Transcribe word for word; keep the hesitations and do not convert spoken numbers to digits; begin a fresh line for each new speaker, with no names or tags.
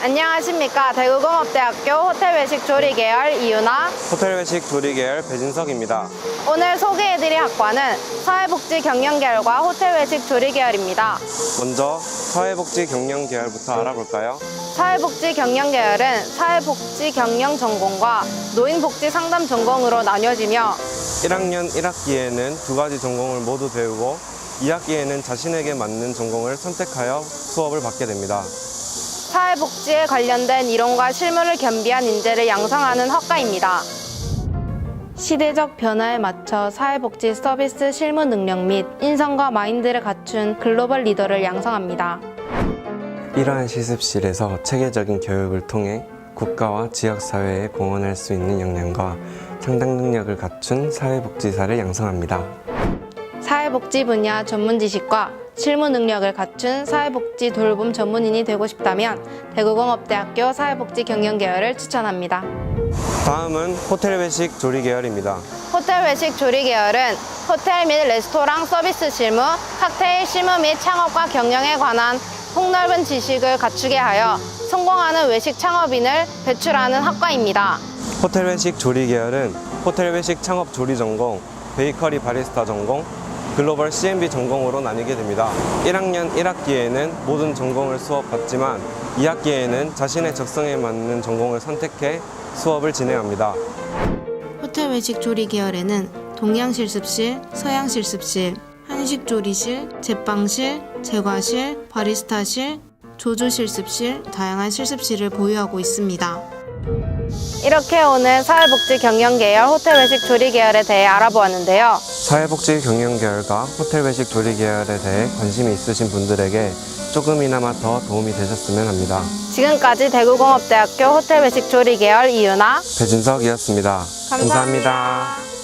안녕하십니까. 대구공업대학교 호텔외식 조리계열 이유나,
호텔외식 조리계열 배진석입니다.
오늘 소개해드릴 학과는 사회복지경영계열과 호텔외식 조리계열입니다.
먼저 사회복지경영계열부터 알아볼까요?
사회복지경영계열은 사회복지경영 전공과 노인복지상담 전공으로 나뉘어지며
일 학년 일 학기에는 두 가지 전공을 모두 배우고 이 학기에는 자신에게 맞는 전공을 선택하여 수업을 받게 됩니다.
사회복지에 관련된 이론과 실무를 겸비한 인재를 양성하는 학과입니다. 시대적 변화에 맞춰 사회복지 서비스 실무 능력 및 인성과 마인드를 갖춘 글로벌 리더를 양성합니다.
이러한 실습실에서 체계적인 교육을 통해 국가와 지역사회에 공헌할 수 있는 역량과 상당 능력을 갖춘 사회복지사를 양성합니다.
사회복지 분야 전문 지식과 실무 능력을 갖춘 사회복지 돌봄 전문인이 되고 싶다면 대구공업대학교 사회복지경영계열을 추천합니다.
다음은 호텔외식 조리계열입니다.
호텔외식 조리계열은 호텔 및 레스토랑 서비스 실무, 칵테일 실무 및 창업과 경영에 관한 폭넓은 지식을 갖추게 하여 성공하는 외식 창업인을 배출하는 학과입니다.
호텔외식 조리계열은 호텔외식 창업 조리 전공, 베이커리 바리스타 전공, 글로벌 씨엠비 전공으로 나뉘게 됩니다. 일 학년 일 학기에는 모든 전공을 수업받지만 이 학기에는 자신의 적성에 맞는 전공을 선택해 수업을 진행합니다.
호텔 외식 조리 계열에는 동양 실습실, 서양 실습실, 한식 조리실, 제빵실, 제과실, 바리스타실, 조조 실습실, 다양한 실습실을 보유하고 있습니다. 이렇게 오늘 사회복지경영계열 호텔외식 조리계열에 대해 알아보았는데요.
사회복지경영계열과 호텔외식 조리계열에 대해 관심이 있으신 분들에게 조금이나마 더 도움이 되셨으면 합니다.
지금까지 대구공업대학교 호텔외식 조리계열 이유나
배진석이었습니다.
감사합니다.
감사합니다.